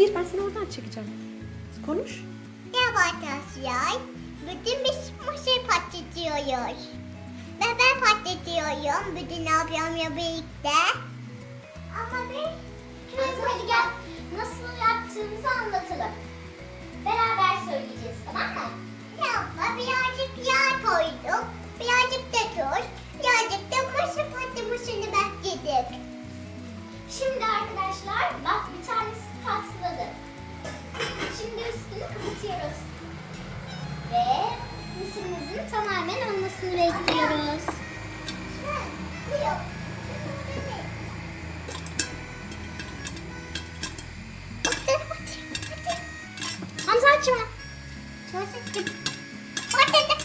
Hayır, ben seni oradan çekeceğim. Konuş. Merhaba arkadaşlar. Bütün biz mısır patlatıyoruz. Ve ben patlatıyorum. Bütün ablamla birlikte. Ama biz... Hadi gel. Nasıl yaptığımızı anlatalım. Beraber söyleyeceğiz, tamam mı? Abla birazcık yağ koyduk. Birazcık da tuz. Birazcık da mısır patlamasını bekledik. Şimdi arkadaşlar bak bir tanesi patladı. Şimdi üstünü kapatıyoruz. Ve mısırımızın tamamen olmasını bekliyoruz. Buyur. Hamza açma. Patladı.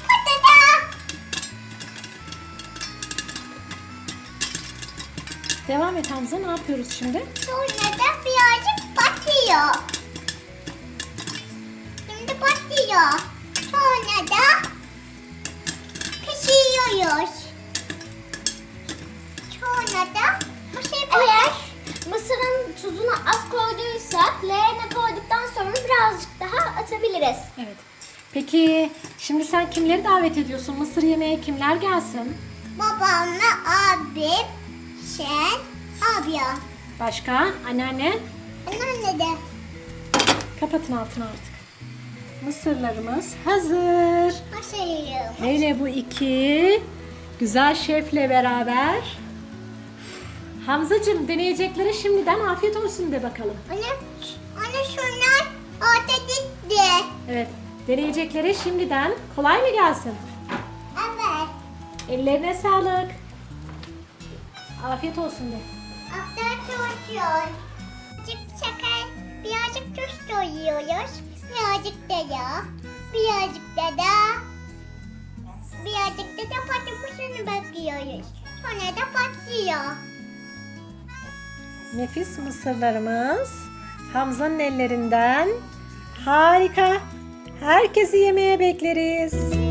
Devam et Hamza. Ne yapıyoruz şimdi? Sonra da birazcık batıyor. Şimdi batıyor. Sonra da pişiriyoruz. Sonra da Eğer mısırın tuzunu az koyduysak leğene koyduktan sonra birazcık daha atabiliriz. Evet. Peki şimdi sen kimleri davet ediyorsun? Mısır yemeğe kimler gelsin? babamla abim, sen, abla. Başka? Anneanne? Anneanne de. Kapatın altını artık. Mısırlarımız hazır. Başarıyorum. Hele bu iki güzel şefle beraber. Hamzacığım, deneyeceklere şimdiden afiyet olsun de bakalım. Anne şunlar orta gitti. Evet, deneyeceklere şimdiden kolay mı gelsin? Evet. Ellerine sağlık. Afiyet olsun de. After çalışıyor. Birazcık şeker, birazcık tuz koyuyoruz. Birazcık da yağ, birazcık da patlamasını bekliyoruz. Sonra da patlıyor. Nefis mısırlarımız Hamza'nın ellerinden. Harika. Herkesi yemeğe bekleriz.